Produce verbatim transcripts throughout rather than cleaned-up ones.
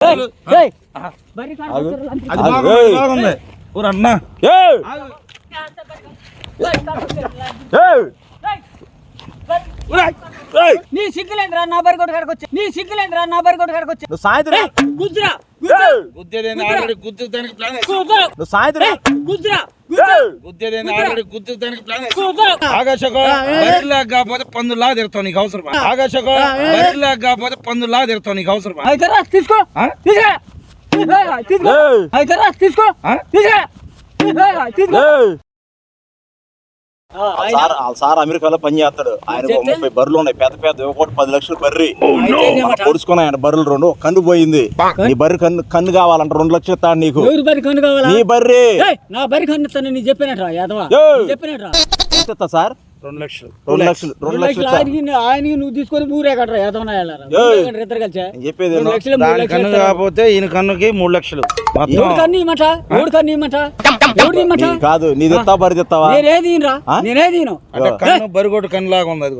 నీ సిగ్గులేంద్రా నా బరి కొట్టు కాడికి వచ్చి నీ సిగ్గులేంద్రా నా బరి కొట్టు కాడికి వచ్చి సాయంత్రం గుజ్రా గుద్దేదేని ఆల్రెడీ గుద్దుతానికి ప్లాన్ నువ్వు సాయంత్రం గుజ్రా గుద్దేదేని ఆల్రెడీ గుద్దుతానికి ప్లాన్ ఆకాశకో బరిలా కాకపోతే పందులా తిరుగుతావు నీకు అవసరమా ఆకాశకో బరిలా కాకపోతే పందులా తిరుగుతావు నీకు అవసరమా అయితే తీసుకో తీసుకురా తీసుకో అయితే తీసుకో తీసుకురా తీసుకో సార్ అమెరికాలో పని చేస్తాడు. ఆయన ముప్పై బర్రెలు ఉన్నాయి, పెద్ద పెద్ద ఒకటి పది లక్షలు బర్రి పొడుచుకున్నాయి. ఆయన బర్రెలు రెండు కన్ను పోయింది. నీ బర్రె కన్ను కన్ను కావాలంట రెండు లక్షలు ఇస్తాడు నీకు. నీ బర్రె నా బర్రె కన్ను నేను చెప్పినట్రా యాదవ చెప్పినట్రా ఎంత సార్? రెండు లక్షలు రెండు లక్షలు రెండు లక్షలు ఆయనకి నువ్వు తీసుకొని ఊరే కట్టరా యాదవ ఇద్దరు కలిసా చెప్పేది కన్ను కాకపోతే ఈయన కన్నుకి మూడు లక్షలు కన్ను ఇమ్మంట ఎవడు కన్ను ఇమ్మంట ఎవడు ఇమ్మంట కాదు నీ తెస్తావా బరి తెస్తావా? నేనేది నేనేది కన్ను బరిగొట్టు కన్ను లాగా ఉంది.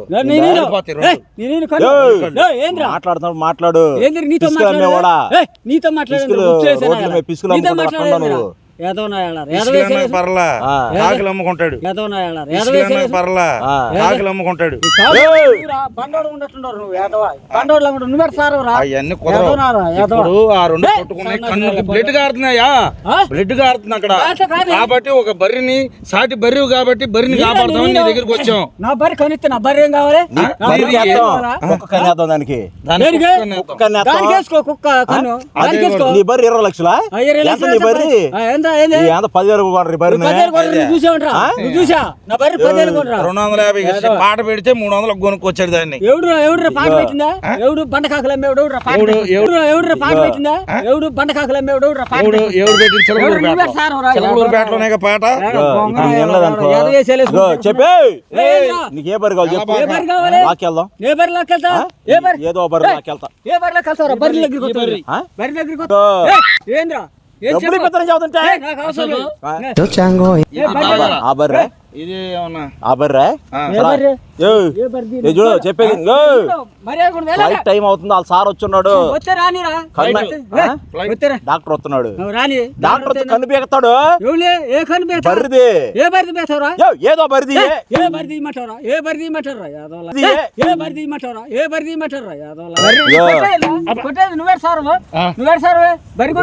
మాట్లాడుతున్నాడు మాట్లాడు నీతో నీతో మాట్లాడు పిసుకులు నువ్వు పర్లా కాకులు అమ్ముకుంటాడు పర్లా కాకులు అమ్ముకుంటాడు అవన్నీ కుదరవు. ఆ రెండు కొట్టుకున్నాయి కన్నుకి బ్లడ్ కారుతున్నాయా బ్లడ్ కారుతుంది అక్కడ. కాబట్టి ఒక బర్రిని సాటి బర్రి కాబట్టి బర్రిని కాపాడుతామని నీ దగ్గరికి వచ్చాం. నా బర్రి కనిస్తే నా బర్రి ఏం కావాలి? దానికి నీ బర్రి ఇరవై లక్షలా? నీ బర్రి పదివేలు రెండు వందల యాభై పాట పెడితే మూడు వందలు కొనుక్కొచ్చాడు దాన్ని. ఎవడు ఎవడు పాట పెట్టిందా? ఎవడు బండ కాకులు అమ్మేవాడు ఎవడు పాట పెట్టిందా? ఎవడు బండ కాకులు అమ్మేవాడు ఎవరు పెట్టింది? చిలకలూరుపేటలోనే పాట చెప్పే నీకే బరి కావాలి చెప్పు. లాక్కెళ్దాం ఏ బరి లాక్కెళ్తా ఏదో బరి లాక్కెళ్తా ఏ బరి లాక్కెళ్తారా? బరి దగ్గరికి బరి దగ్గరికి ఏంద్రా చెప్పేది టైం అవుతుంది. వాళ్ళ సార్ వచ్చున్నాడు, డాక్టర్ వస్తున్నాడు. డాక్టర్ వచ్చి కన్ను పీకుతాడు. బరిది ఏదో బరిది ఏ బరిది ఇమ్మంటారా? ఏ బరిది ఇమ్మంటారా? ఏ బరిది ఇమ్మంటారా? ఏ బరిది ఇమ్మంటారా? నువ్వే సార్ నువ్వే సార్ బరి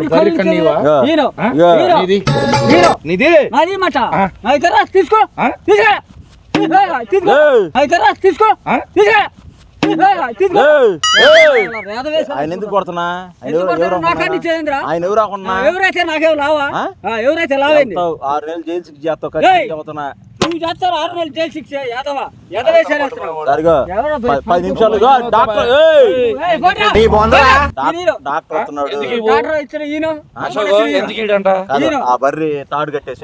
తీసుకో తీసుకో ఆయన ఎందుకు కొడుతున్నా? ఆయన ఎవరు రాకుండా ఎవరైతే నాకేం లావా ఎవరైతే లావైంది ఆరు నెలలు జైలు శిక్ష చేస్తావుతున్నా. నువ్వు చేస్తారు ఆరు నెలలు జైలు శిక్ష యాదవ పది నిమిషాలు డాక్టర్ డాక్టర్ వస్తున్నాడు. ఆ బర్రి తాడు కట్టేసి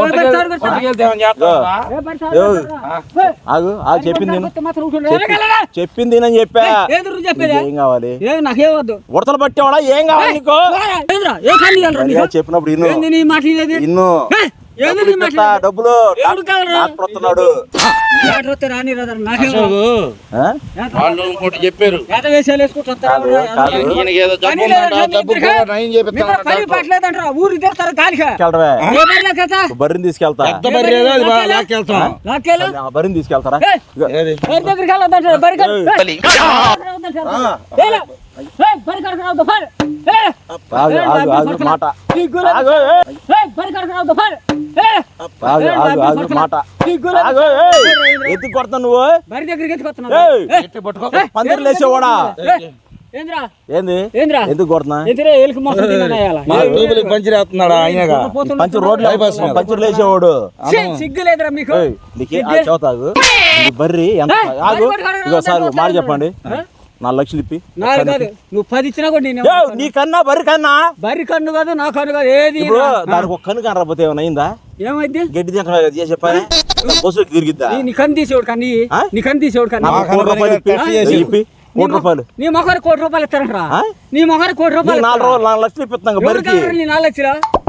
ఆగు ఆగు చెప్పింది చెప్పింది నేను చెప్పా. ఏం కావాలి? నాకేమద్దు ఉడతలు పట్టేవాడా? ఏం కావాలి నీకు? చెప్పినప్పుడు ఇన్ను ఇన్ను డబ్బులు డాక్టర్ వస్తున్నాడు. చెప్పారు బర్రిని తీసుకెళ్తా బర్రిని తీసుకెళ్తారా? మాట మాట ఎత్తుకు కొడతా నువ్వు పందిరి లేచేవాడా? ఏంది ఎందుకు కొడుతున్నా? పంచిరేస్తున్నాడు ఆయన పంచి రోడ్లు పంచులు లేచేవాడు. సిగ్గులేదురా మీకు? చదువుతాగు బర్రి ఎంత ఆగు ఇగో సార్ మాట చెప్పండి. నాలుగు లక్షలు ఇప్పి నువ్వు పది ఇచ్చినా కూడా నీ కన్నా బర్రి కన్నా బర్రి కన్ను కాదు నా కన్ను కాదు ఏది దానికి ఒక కన్ను కనరాపోతే ఏమైనా అయిందా? ఏమైంది? గడ్డి చేసి చెప్పాలి బస్సుకి తిరిగిద్దా? నీ కన్ను తీసేవాడు కన్నీ నీ కన్ను తీసేవాడు కన్నా ఇప్పి కోటి రూపాయలు నీ మొఖారు కోటి రూపాయలు ఇస్తారంటరా? నీ మొఖారు కోటి రూపాయలు నాలుగు రోజులు నాలుగు లక్షలు ఇప్పిస్తాం బరికి. నాలుగు లక్షలు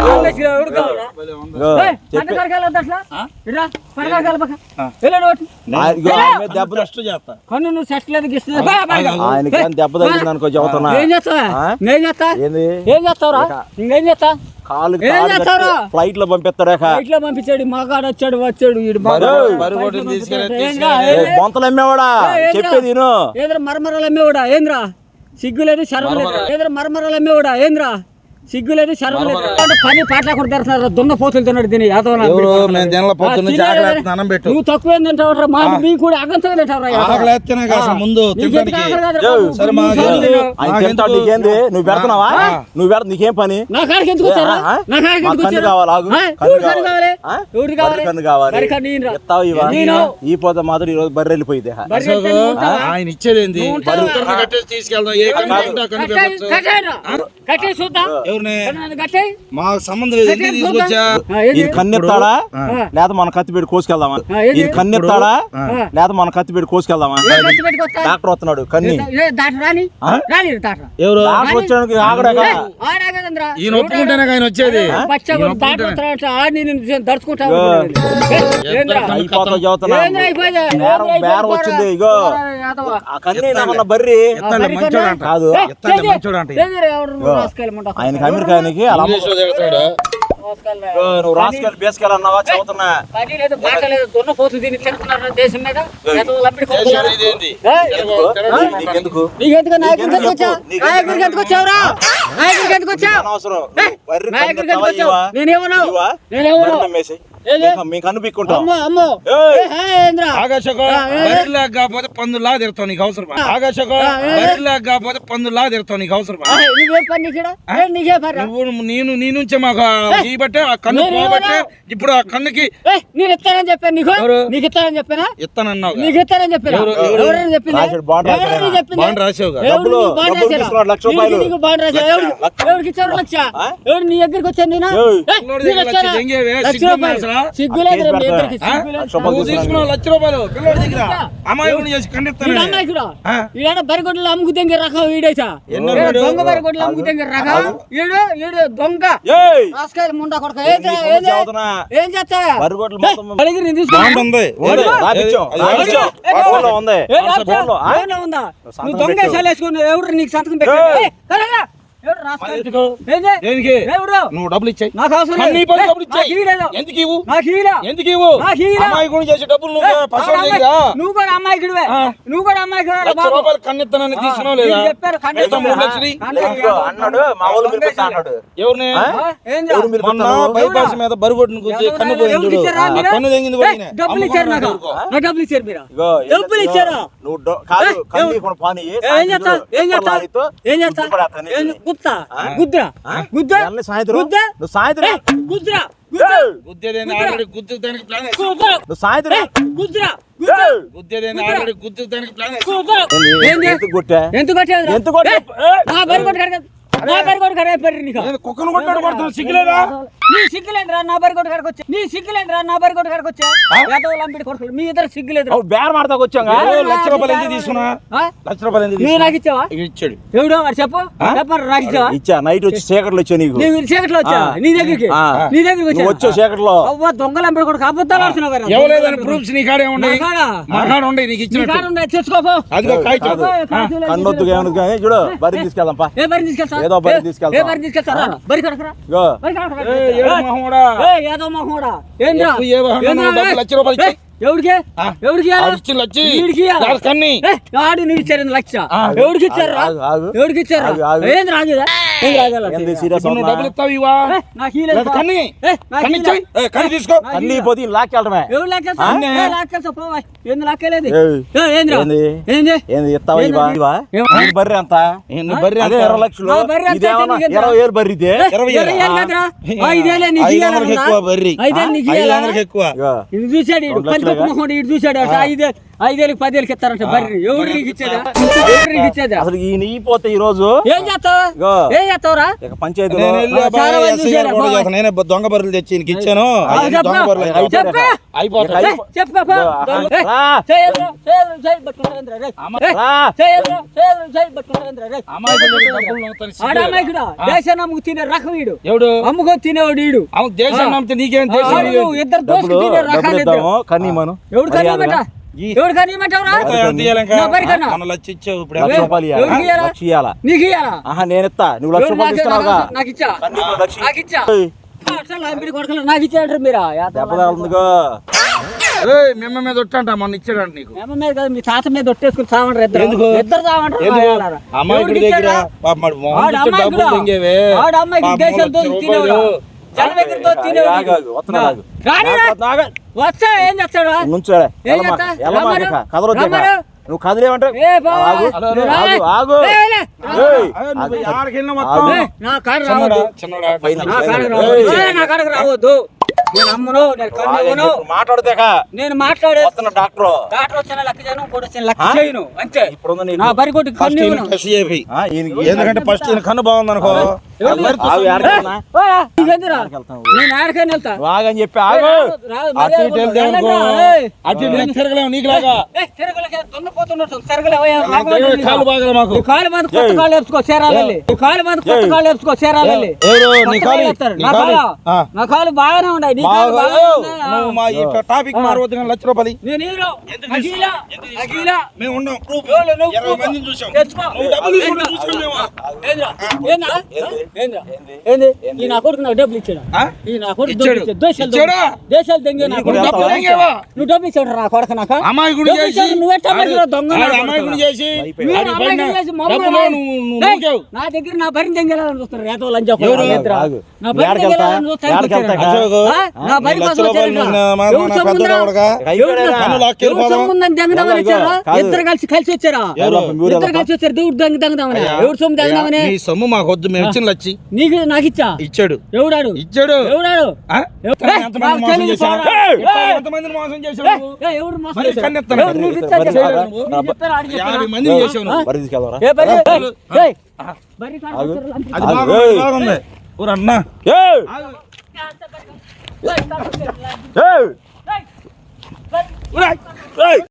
ఎవడు కావాలా? ఇగో, ఏయ్, చెప్పే పంట కాడికి వెళ్ళొద్దు అట్లా. ఇట్రా, పంట కాడికి వెళ్ళ పక్క. వెళ్ళండి ఒకటి. ఆ, ఇగో, ఆయన మీద దెబ్బ ఫస్ట్ చేస్తా కన్ను నువ్వు సెట్ లేదు గిస్తుంది. బా, బా, బా. ఆయనకి ఏం దెబ్బ తగిలింది అనుకో చెబుతున్నా. ఏం చేస్తావా? ఆ? నేను చేస్తా. ఏంది ఏం చేస్తావురా? ఇంకేం చేస్తా? కాలు ఏం చేస్తావురా? ఫ్లైట్ లో పంపిస్తాడా ఇట్లా పంపించాడు మగాడు వచ్చాడు వచ్చాడు ఈడు బాగా బరువు కొట్టుని తీసుకెళ్ళి ఏంద్రా? బొంతలు అమ్మేవాడా ఏంద్రా? చెప్పేది విను. ఏదో మరమరాలు అమ్మేవాడా ఏంద్రా? సిగ్గు లేదు శరం లేదు. ఏదో మరమరాలు అమ్మేవాడా ఏంద్రా? సిగ్గు లేదు శరం లేదు. అంటే పని పాటలు కూడా తెరుతున్నారు. దున్న పోతులు తిన్నాడు దీని యాదవ నా ఎవరు బిడ్డ. మేము జనల పొద్దున్న ఆ, జాగ్రత్త తిన్నాడు. అన్నం పెట్టు నువ్వు తక్కువ ఏం తింటావురా? మా మీ కూడా అగంతగా తింటావురా యాదవ. ఆకలి ఎత్తేనే కాదు అసలు ముందు నీకు తినడానికి ఎందుకు ఆకలి కాదురా జో, బాబు? సరే, నువ్వు మా సార్లు ఏంది? తిన్నావు. ఆయన మాకెందుకు? తింటాడు నీకేంది నువ్వు పెడుతున్నావా ఆ. నువ్వు పెడ నీకేం పని నా కాడికి ఎందుకు వచ్చారా? ఆ? నా కాడికి మా ఎందుకు కన్ను వచ్చారా? కావాలి, ఆగు. ఆ? కన్ను ఎవరి కన్ను కావాలి? ఆ? ఎవరి కావాలి? బర్రె కన్ను కావాలి. బర్రె కన్ను ఈయనరా. ఎత్తావు ఇవా నేను. ఈ పోతే మాత్రం ఈ రోజు బర్రె వెళ్ళిపోయింది బర్రె అసలు ఎత్తే నువ్వు ఉంటావా? ఆయన ఇచ్చేది ఏంది నువ్వు ఉంటావా? బరువు కట్టేసి తీసుకెళ్దాం ఏ కన్ను తింటా కన్ను కట్టేయ్, పెట్టొచ్చు. కట్టేయ్రా. కట్టేయ్ చూద్దాం. ఎవరిని కన్ను కట్టేయ్. మాకు సంబంధం లేదు ఎందుకు కట్టేయ్ తీసుకొచ్చా చూద్దాం. ఆ, ఏంది? ఈయన కన్నెత్తాడా ఆ. లేదా మన కత్తి పెట్టి కోసుకెళ్దామా ఆ, ఏంది? ఈయన కన్నెత్తాడా ఆ. లేదా మన కత్తి పెట్టి కోసుకెళ్దామా ఏ కత్తి పెట్టుకొస్తా? డాక్టర్ వస్తున్నాడు కన్ని ఏ దాటరా రాని? ఆ? రాని దాటరా. ఎవరు డాక్టర్ వచ్చాడానికి ఆగడాక ఏ, ఆడాగదండ్రా. ఈయన ఒప్పుకుంటేనే ఆయన వచ్చేది బచ్చా ఈయన కూడా ఒప్పుకుంటేనే. దాటొస్తాడంట. ఆడిని నిన్ను దడుచుకుంటావు. ఏ. ఏంద్రా? అయిపోతా చదువుతున్నా ఏంద్రా అయిపోయిందా? బేరం ఏంద్రా బేరం అయిపోయిందా? వచ్చింది ఇగో యాదవ. ఆ కన్నీ ఏమన్నా బర్రి ఎత్తండి, బర్రి మంచోడు కన్నా? అంట. కాదు ఏ, ఎత్తండి, చేయి. మంచోడు అంట. ఏందిరా ఎవరు నువ్వు రాసుకెళ్ళమంటావు? ఆయనకి అమెరికానికి అలా అమ్మ- ఇంగ్లీష్లో తిడతాడు. రాసుకెళ్ళ. ఇగో, నువ్వు రాసుకెళ్ళి బేసుకెళ్ళన్నావా చదువుతున్నా పని లేదు మాట లేదు దున్నపోతు దీన్ని తింటున్నారు దేశం మీద యాదవులు లంపిడి దేశం కొడుకులారా. ఇదేంది? ఏయ్, తెలుగు- తెలుగు నీకెందుకు నీకెందుకు నాయకుడికి ఎందుకు వచ్చావు? నీకెందుకు నాయకుడికి ఎందుకు వచ్చావురా? నాయకుడికి ఎందుకు వచ్చావు? అనవసరం ఏయ్, బర్రె నాయకుడికి కన్ను ఎందుకు వచ్చావు? ఇవ్వా? నేనేమన్నావు? ఇవ్వా? నేనేమన్నావు? బర్రె నమ్మేసేయ్. ఏది? మేము- మేము కన్ను పిక్కుంటాం అమ్మో అమ్మో ఏయ్. ఏ, హే, ఏంద్రా? ఆకాశకో ఆ, ఏ, ఏ. బరిలా కాకపోతే పందులా తిడతావు నీకు అవసరమా ఆకాశకో ఆ, ఏ, ఏ. బరిలా కాకపోతే పందులా తిడతావు నీకు అవసరమా ఆ, నువ్వేం పని నీకు ఈడ? ఏ, నీకే పని రా? నువ్వు నేను నీ నుంచే మాకు ఈ బట్టే ఆ కన్ను నేను పోబట్టే ఏమన్నా? ఇప్పుడు ఆ కన్నుకి ఏ, నేను ఇస్తానని చెప్పాను నీకు ఎవరు? నీకు ఇస్తానని చెప్పానా ఇస్తానన్నావు నీకు ఇస్తానని చెప్పాను ఎవరు? ఎవరు? ఎవరైనా చెప్పింది రాశాడు, బాండ్ రాశాడు ఎవరైనా ఆయన. చెప్పింది? బాండ్ రాసావుగా ఎవరు డబ్బులు- నీకు బాండ్ డబ్బులు రాశారా? తీసుకున్నాడు, లక్ష నీకు- రూపాయలు. నీకు బాండ్ రాశారా? ఎవరు- లక్ష. ఎవరికి ఇచ్చారు లక్ష? ఆ? ఎవరు నీ దగ్గరికి వచ్చాను నేను ఏయ్. ఏ, పిల్లోడి నీకు దగ్గర వచ్చారా? లక్ష దెంగేవే, లక్ష సిగ్గు రూపాయలు. ఉందా అసలు? సిగ్గు లేదు రా, మీ కేసు ఇద్దరికి పెడతా. సిగ్గు లేదు. లక్ష రూపాయలు నువ్వు తీసుకున్నావు లక్ష రూపాయలు పిల్లోడి దగ్గర అమ్మాయి చేసి వీడు ఖండిస్తాను అమాయకుడా? ఆ? ఈడ బరిగొడ్లు అమ్ముకు తెంగే రకం వీడైతే ఎన్నో ఈడ వీడు? దొంగ బరిగొడ్లు అమ్ముకు తెంగే రకం ఈడు ఈడు దొంగ ఏయ్ రాసుకాయలు ముండా కొడక ఏం నీకు చదువుతున్నా? ఏం చేస్తా బర్రెగొడ్లు మొత్తం అడిగి నేను తీసుకో బాండ్ ఉంది ఉంది, ఉంది. రాపిచ్చాం, అది రాపిచ్చాం. ఏ, ఏ, ఫోన్లో ఉంది. ఏ, రాసుకో. ఫోన్లో, ఆ? ఏమన్నా ఉందా? సంతకం నువ్వు దొంగ పెట్టు. వేసుకుని ఎవరు నీకు సంతకం పెట్టు ఏయ్. ఏయ్, రా, రా. ఎవరు రాసుకాయలు? ఎందుకు? ఏంది? దేనికి ఎవరు? నువ్వు డబ్బులు ఇచ్చాయి నాకు అవసరం అన్ని లేదు. పనులు ఏయ్, డబ్బులు ఇచ్చాయి నాకు ఇవ్వలేదు. ఎందుకు ఇవ్వు నాకు ఇవ్వలే. ఎందుకు ఇవ్వు నాకు ఇవ్వలే. అమ్మాయి గురించి చేసే డబ్బులు ఏయ్, నువ్వు పసోడు అమ్మాయి- దగ్గర నువ్వు కూడా అమ్మాయికుడివే ఆ. నువ్వు కూడా అమ్మాయికుడు లక్ష రూపాయలు కన్నెత్తనని తీసుకున్నావు లేదా వీళ్ళు చెప్పారు ఖండిత. ఎంత మూడు లక్షలు ఖండిత. ఇదిగో అన్నాడు మా ఊళ్ళు పిలిపిస్తా అన్నాడు ఎవరిని ఆ? ఆ, ఏం ఎవరు చేయాలి? మీరు మొన్న పిలుస్తారు? బైపాస్ మీద బరుగొట్టును గుద్ది కన్ను పోయింది ఎవరికి చూడు ఇచ్చారా ఆ మీరు? కన్ను తెంగింది ఏయ్, పోయిన డబ్బులు ఇచ్చారు నాకు నాకు డబ్బులు ఇచ్చారు మీరు ఇగో డబ్బులు ఇచ్చారా? నువ్వు డో- కాదు ఏయ్, కన్ను ఎవరు? ఇవ్వకుండా పాని, ఏం సాయంత్రం చేస్తా ఏం కుక్కర్ చేస్తా లారీతో ఏం చేస్తా గుద్దు పడేస్తాను ఏం నీకు. గుత్తా ఆ? గుద్దురా ఆ? గుద్దా ఇవాళ సాయంత్రం గుద్దా నువ్వు సాయంత్రం ఏయ్, గుద్దురా గుద్దా ఏయ్, గుద్దేదేని ఆల్రెడీ గుద్దుతానికి ప్లాన్ వేసి గుద్దురా నువ్వు సాయంత్రం ఏయ్, గుద్దురా గుద్దా ఏయ్, గుద్దేదేని ఆల్రెడీ గుద్దుతానికి ప్లాన్ వేసి గుద్దురా ఏంది? ఏంది? ఎందుకు కొట్టా? ఎంత కొట్టేది ఎంత కొట్టా? ఏయ్, నా బరి కొట్టు కడగ నా బరి కొట్టు కడగ పెర్రి నీకు నేను కుక్కను కొట్టాడు కొడుతున్నా సిగ్గులేదా నీ సిగ్గులేదురా నా బరి కొట్టు కడకొచ్చా నీ సిగ్గులేదురా నా బరి కొట్టు కడకొచ్చా యాదవ లంపిడి కొడుకులు మీ ఇద్దరు సిగ్గులేదురా అవు బేర మాడతాకు వచ్చాంగా ఏ, లక్ష రూపాయలు ఎందుకు తీసుకున్నా ఆ? లక్ష రూపాయలు ఎందుకు నువ్వు తీసుకున్నా నాకు ఇచ్చావా ఇక ఇచ్చాడు ఎవడో వాడు చెప్పు చెప్పరు నాకు ఇచ్చావా ఇచ్చా నైట్ వచ్చి చీకట్లో వచ్చా నీకు నీవు చీకట్లో వచ్చా ఆ. నీ దగ్గరికి ఆ. నీ దగ్గరికి నువ్వు వచ్చా వచ్చావు చీకట్లో అవ్వ దొంగలు అంబడి కూడా అబద్ధాలు ఆడుతున్నావు కదా. ఎవలేదని ప్రూఫ్స్ నీ కాడే ఉండే నా కాడా? మా కాడ ఉండే నీకు నీ ఇచ్చినట్టు కాడ ఉన్నాయి, తెచ్చుకోపో. అదిగో కాగితం అబ్బో, కాగితం లేదు, కన్నొద్దుగా ఏమను కానీ చూడు బరి తీసుకెళ్దాం పా ఏ బరి తీసుకెళ్తా? ఏదో బరి ఏ- తీసుకెళ్తా. ఏ బరి తీసుకెళ్తా? రా, బరి కడకరా. ఇగో బరి కడకరా. ఏ, ఏడు మొహమోడా. ఏ, ఏదో మొహమోడా. ఏంద్రా? ఎక్కువ ఏ వాహనం ఏంద్రా? డబ్బు లక్ష రూపాయలు ఇచ్చి. ఏ, ఎవడికి ఆ. ఎవడికి ఇయ్యాలా? ఆడు ఇచ్చిన లచ్చి. వీడికి ఇయ్యాలా? ఆడు కన్ని. ఏ, ఆడు నువ్వు ఇచ్చారు లక్ష ఆ. ఎవడికి ఇచ్చారు రా? ఆగు, ఆగు. ఎవడికి ఇచ్చారు ఆగు, ఆగు. ఏంది రాజుదా ఏం రాజాలా ఏంది సీరియస్ ఇప్పుడు నువ్వు డబ్బులు ఇస్తావు ఇవా ఏ, నాకు ఈ లేదు లేదా బా. కన్ని ఏ, నాకు కన్ని ఈ ఇచ్చాయి లేదు. ఏ, కన్ని తీసుకో నాకు ఈ అన్ని లేదు. పోతే లాక్కెళ్ళటమే ఎవరు లాక్కెళ్తా? అన్నే. ఏ, లాక్కెళ్తా పోవా. ఏంది లాక్కెళ్ళేది? ఏయ్. ఏ, ఏందిరా? ఏంది? ఏంది? ఏంది ఇస్తావా ఏంది? ఇవా ఇవా ఏం- నీ బర్రె ఎంత ఏంది బర్రె అదే అంత? ఇరవై లక్షలు నా బర్రె ఎంత ఇదేమన్నా అయితే నీకు ఎంత? ఇరవై వేలు బర్రె ఇదే ఏ, ఇరవై ఇరవై ఏళ్ళా? ఏళ్ళు కదరా? ఆ, ఇదేలే నీకు ఐదు ఇయ్యాలన్నా? వందలకి ఎక్కువ బర్రి ఐదేళ్ళు నీకు ఐదు ఇయ్యాలా? వందలకి ఎక్కువ ఇగో ఇది చూశాడు ఈడు రెండు లక్షలుగా? పందికొక్క మొహోడు ఈడు చూశాడు అట ఐదే ఐదేళ్ళకి పదేళ్ళకి ఇస్తారంట బర్రె ఎవరు నీకు ఇచ్చేదా ఎవరు నీకు ఇచ్చేదా అసలు ఈ నీ పోతే ఈ రోజు ఏం చేస్తావు ఇగో, ఏం చేస్తావురా ఇక పంచాయతీలో నేను వెళ్ళి ఆ, చాలా మంది ఎస్ఐ గారు చూశారు, కూడా బావ. చేస్తాను. నేనే దొంగ బర్రెలు తెచ్చి ఈయనకి ఇచ్చాను ఆ, ఆయన చెప్పు. దొంగ బర్రెలు అయిపోయాక. చెప్పు. అయిపోతాయి. ఏయ్, చెప్పుకో పో. ఇగో, ఏయ్, రా. చేయొద్దు, చేయొద్దు, చేయి పట్టుకోండి, రేయ్. ఏయ్, రా. చేయొద్దు, చేయొద్దు, చేయి పట్టుకోండి, రేయ్. అమాయకులు డబ్బులు నమ్ముతాను, సిగ్గు ఆడ లేదా? అమాయకుడా, దేశాన్ని అమ్ముకు తినే రకం వీడు ఎవడు అమ్ముకొని తినేవాడు వీడు అవును దేశాన్ని నమ్మితే నీకేం ఆ, దేశం నువ్వు ఇద్దరు దోసుకు డబ్బులు తినే డబ్బులు రకాలు ఇద్దరు ఇద్దాము కానీ మనం ఎవడు కనియమంట ఎవడు కనియమంటావురా నా బరి కన్నా. మన లచ్చి ఇచ్చావు ఇప్పుడు లక్ష ఏయ్, రూపాయలు ఎవరికి ఇవ్వాలా? ఇయ్యాలా? లక్ష ఇవ్వాలా? నీకు ఇయ్యాలా ఆహా నేను ఇస్తా నువ్వు లక్ష ఎవడు రూపాయలు నాకు- ఇస్తున్నావుగా నాకు- నాకు ఇచ్చా కానీ నీకు లక్ష నాకు ఇచ్చా ఏయ్, అసలు అంపిడి కొడుకులు నాకు ఇచ్చాడు మీరా దెబ్బ తగలుతుందిగో. ఏయ్, మిమ్మ మీద ఒట్టంట మొన్న ఇచ్చాడంట నీకు మేమ మీద కదా మీ తాత మీద ఒట్టేసుకుని సావంటారు ఇద్దరు ఎందుకు? ఇద్దరు సావంటారు ఎందుకు? రాయాలరా. అమాయకుడి ఎవరికి దగ్గర ఇచ్చారా? పాపం వాడు మొహం వాడు చూస్తే అమాయకుడా? డబ్బులు తెంగేవే. వాడు అమ్మాయికి పాపం దేశం లక్ష దోసి రూపాయలు. తినేవాడు జన దగ్గర దోసి తినేవాడు ఆగు, ఆగు, వస్తున్నా, ఆగు. రానిరా. ఆగు. వచ్చా ఏం చేస్తాడు నుంచోలే. ఏం ఎల్లమాక, చేస్తా? ఎల్లమాక రమ్మను. ఇక. కదలొద్దు ఇక. రమ్మను. నువ్వు కదిలేమంటే ఏ బావా. ఆగు, హలో, నువ్వు హలో. ఆగు, రా. ఆగు. ఏయ్, లే. ఏయ్, అయ్యో, నువ్వు ఆగు. యాడికి వెళ్ళినా మొత్తం. ఆగు. ఏయ్, నా కాడ చిన్నోడా, రావద్దు చిన్నోడా, పైన నా కాడకు ఏయ్. రావద్దు ఏయ్, నా కాడకు రావద్దు నేను అమ్మను నేను కన్నును మాట్లాడితేక నేను మాట్లాడే వస్తున్న డాక్టర్ డాక్టర్ వచ్చిన లెక్క చేయను కూడా వచ్చిన లెక్క చేయను అంతే ఇప్పుడు నీకు నా బరి కొట్టి ఫస్ట్ కన్ను ఈయన టెస్ట్ చేయి. ఆ, ఈయనకి- ఎందుకంటే ఫస్ట్ ఈయన కన్ను బాగుంది అనుకో ఆగు, ఆడికి వెళ్తున్నా? నీకెందురా ఆడికి వెళ్తాను. నేను ఆడకని వెళ్తా నువ్వు ఆగని చెప్పి ఆగు. రాదు, రాదు, అటు ఇటు మర్యాద వెళ్తే వెళ్ళండి అనుకో. రా, ఏయ్. అటు ఇటు నేను తిరగలేము నీకులాగా. ఏయ్, తిరగలేక దున్నపోతున్నట్టు తిరగలేవయ్యా, నాకు రాబోయే తెలియదు, నీకు. కాలు బాగలే మాకు. ఈ కాలు మీద కొత్త కాలు వేసుకో చేరాలి ఈ కాలు మీద కొత్త ఏయ్. కాలు వేసుకో చేరాలి ఎవరు? నీ కాలు? నీ నా కాలు? కాలు ఆ. నా కాలు బాగానే ఉన్నాయి నీ కాలు బాగా బాగానే ఉన్నాయి. నువ్వు మా ఈ టాపిక్ మారవద్దు కానీ లక్ష రూపాయలు ఇయ్యి. నేను హీరో ఎందుకు అఖిల అఖిల మేము ఉన్నాం ప్రూఫ్. ఎవరు నువ్వు? ఇరవై మందిని చూసాం. తెచ్చుకో. నువ్వు డబ్బులు తీసుకుంటే ఏంద్రా? చూసాం మేము. ఏంద్రా? ఏంద్రా? ఏంద్రా? ఏంది? ఈ నా కొడుకు నాకు డబ్బులు ఇచ్చాడు ఆ? ఈ నా కొడుకు ఇచ్చాడు. డబ్బులు ఇచ్చాడు. దేశాలు ఇచ్చాడా? దొంగ. దేశాలు దొంగ నా నీకు కొడుకు. డబ్బులు డబ్బులు దొంగేవా? నువ్వు డబ్బులు ఇచ్చాడు నా కొడుకు నాకు అమాయకుడు డబ్బులు చేసి ఇచ్చాడు. నువ్వెట్టా మనిషిలో దొంగ ఆడు నా కొడుకు. అమాయకుడు చేసి మీరు ఆడి పైన అమాయకులు చేసి మమ్మల్ని డబ్బులు నువ్వు నువ్వు ఏయ్, నూకావు. నా దగ్గర నా బరిని దెంగేయాలని చూస్తారు రేతో లంచా ఎవరు? ఆగు. నా బరిని ఏడకెళ్తా? దెంగేయాలని చూస్తారు ఏడకెళ్తా? అశోకు, ఆ? నా నీ బరి లక్ష కోసం రూపాయలు వచ్చారంట. నిన్న మా- ఎవరు మన సొమ్ముందా? పెద్దోడు ఒకడుగా. ఎవరు అయిపోయాడా? కన్ను లాక్కెళ్ళి ఎవరు పోదాం. సొమ్ముందని దెంగదామని ఇదిగో, వచ్చారా? కాదు. ఇద్దరు కలిసి కలిసి వచ్చారా ఎవరు? మీరు ఇద్దరు కలిసి వచ్చారు దేవుడు దెంగ దెంగదామని అయ్యా, ఎవడు సొమ్ము దెంగదామని నీ సొమ్ము మాకు వద్దు మేము ఇచ్చిన లచ్చి నీకు నాకు ఇచ్చా ఇచ్చాడు ఎవడాడు ఇచ్చాడు ఎవడాడు ఆ? ఏయ్, ఎంతమంది నాకు మోసం తెలియదు చేశావు? పోరా. ఇట్లా ఏయ్, ఎంతమందిని మోసం చేశావు ఏయ్, నువ్వు? ఏయ్, ఎవడు మోసం మరి చేశాడు? కన్నెత్తాను. ఎవడు నీకు ఇచ్చా బరి చెప్పాడు? కాదా? నీకు చెప్పాడు, ఆడికి చెప్పాడు. యాభై మందిని చేసావు నువ్వు. బరి తీసుకెళ్దారా? ఏ బరి? ఏయ్, ఏయ్, బరి కాడ ఆగు. వచ్చారు లంచా. అది ఆగు. బాగుంది ఏయ్. బాగుంది ఊరు అన్నా ఏయ్! ఏయ్, కాడ వచ్చారు లంచా. ఏయ్! ఏయ్, బరి. ఊరా. ఏయ్!